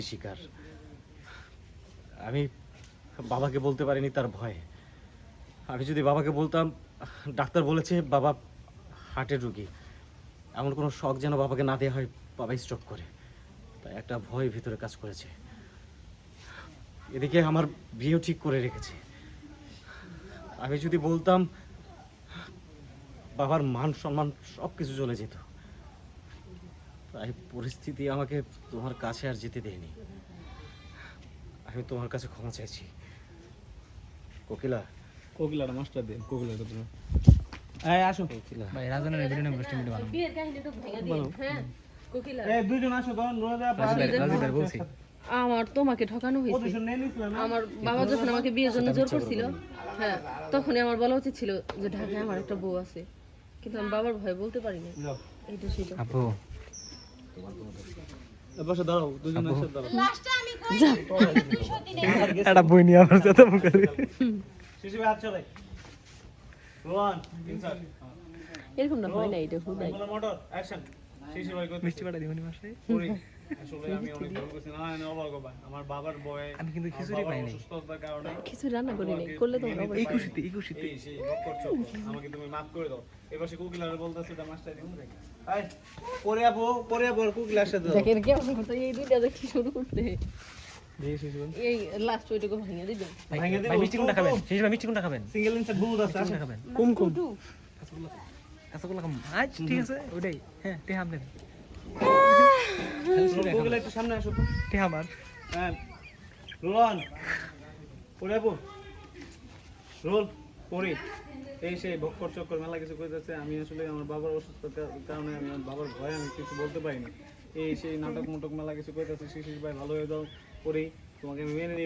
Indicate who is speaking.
Speaker 1: শিকার। আমি বাবাকে বলতে পারিনি তার ভয়ে। আমি যদি বাবাকে বলতাম, ডাক্তার বলেছে বাবা হার্টের রোগী, এমন কোনো শখ যেন বাবাকে না দেওয়া হয়, বাবা স্ট্রোক করে। তাই একটা ভয় ভিতরে কাজ করেছে। এদিকে আমার বিয়েও ঠিক করে রেখেছে। আমি যদি বলতাম, বাবার মান সম্মান সব কিছু চলে যেত। তাই পরিস্থিতি আমাকে তোমার কাছে আর যেতে দেয়নি। আমি তোমার কাছে ক্ষমা চাইছি কোকিলা।
Speaker 2: কোকিলাটা মাস্টার দিন, কোকিলাটা তুমি আসো
Speaker 1: কোকিলা,
Speaker 3: ভাই রাজনের ভিডিও নেব স্টিম ভিডিও বানাবো।
Speaker 4: বিয়ের কাহিনীটা ভেঙে দিন। হ্যাঁ কোকিলা,
Speaker 2: দুইজন আসো তো
Speaker 3: রাজীব ভাই বলছি
Speaker 4: আমার তোমাকে ঠকানো হয়েছে। আমার বাবা যখন আমাকে বিয়ের জন্য জোর করছিল, হ্যাঁ, তখনই আমার বলা উচিত ছিল যে ঢাকায় আমার একটা বউ আছে, কিন্তু আমি বাবার ভয়ে বলতে পারি না। এইটা সেটা।
Speaker 3: আপু
Speaker 2: বসে দাঁড়াও, দুজন এসে দাঁড়াও।
Speaker 3: এটা বই নিয়ে আমার সাথে মুখ করে
Speaker 2: শিশু ভাই হাত চলে। রোহান ইনসার্ট।
Speaker 4: এরকম না হয় না, এটা হুদাই।
Speaker 2: বলো মোটর অ্যাকশন। শিশু ভাই কই
Speaker 3: মিষ্টি পাটা দিবনি মাসে
Speaker 2: করি। আসলে আমি অনেক ভুল করছি। না না অবাক বাবা, আমার বাবার বয়ে
Speaker 3: আমি কিন্তু খিচুড়ি পাই নাই।
Speaker 2: অসুস্থতার কারণে
Speaker 4: কিছু রান্না করি নাই, করলে তো হবে।
Speaker 3: এই খুশিতে
Speaker 2: এই সেই ভোগ করছো, আমাকে তুমি মাফ করে দাও। এবার সে কোকিলারে বলতাছে এটা মাস্টার দিমু রে। আই পরে আপু কোকিলার সাথে দাও।
Speaker 4: দেখেন কেমন করতে, এই দুইটা দেখি শুরু করতে,
Speaker 2: দেখি শিশু ভাই
Speaker 4: এই লাস্ট ওইটুকু ভেঙে দিবেন।
Speaker 2: ভাঙে দিবো।
Speaker 3: ভাই মিষ্টি কোনটা খাবেন শেষ ভাই মিষ্টি কোনটা খাবেন
Speaker 2: সিঙ্গেল ইনসার্ট বহুত আছে।
Speaker 3: কোনটা খাবেন
Speaker 2: কুমকুম।
Speaker 3: কাঁচাগোলা খাম আজ ঠিক আছে ওইটাই হ্যাঁ তে হামলেন
Speaker 2: কোকিলা একটু সামনে আসো তো।
Speaker 3: তে আমার
Speaker 2: হ্যাঁ রোহন পরে আপু রোল পরে এই সেই ভক্কর চক্কর মেলা কিছু কইতেছে। আমি আসলে আমার বাবার অসুস্থতার কারণে আমি আমার বাবার ভয়ে আমি কিছু বলতে পারিনি। এই সেই নাটক মুটক মেলা কিছু কইতেছে। শিশির ভাই ভালো হয়ে যাও পরেই তোমাকে আমি মেনে